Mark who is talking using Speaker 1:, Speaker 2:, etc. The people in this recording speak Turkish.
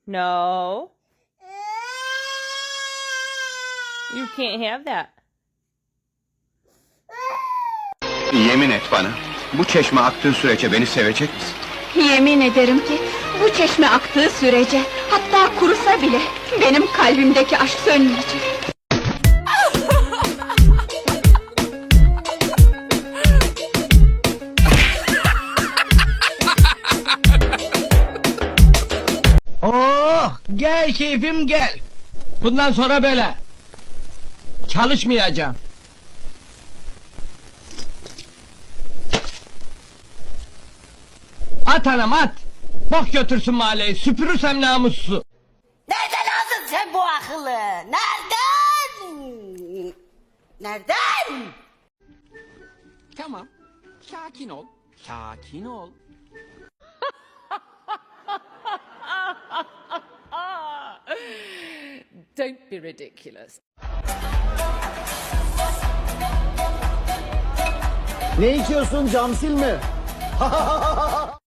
Speaker 1: No. You can't have that.
Speaker 2: Yemin et bana, bu çeşme aktığı sürece beni sevecek misin?
Speaker 3: Yemin ederim ki bu çeşme aktığı sürece, hatta kurusa bile benim kalbimdeki aşk sönmeyecek.
Speaker 4: Oh, gel keyfim gel. Bundan sonra böyle. Çalışmayacağım. At anam at. Bok götürsün mahalleyi, süpürürsem namussu.
Speaker 5: Nereden aldın sen bu akıllı? Nereden? Nereden?
Speaker 6: Tamam. Sakin ol. Sakin ol.
Speaker 7: Don't be ridiculous.
Speaker 8: Ne içiyorsun, camsil mi?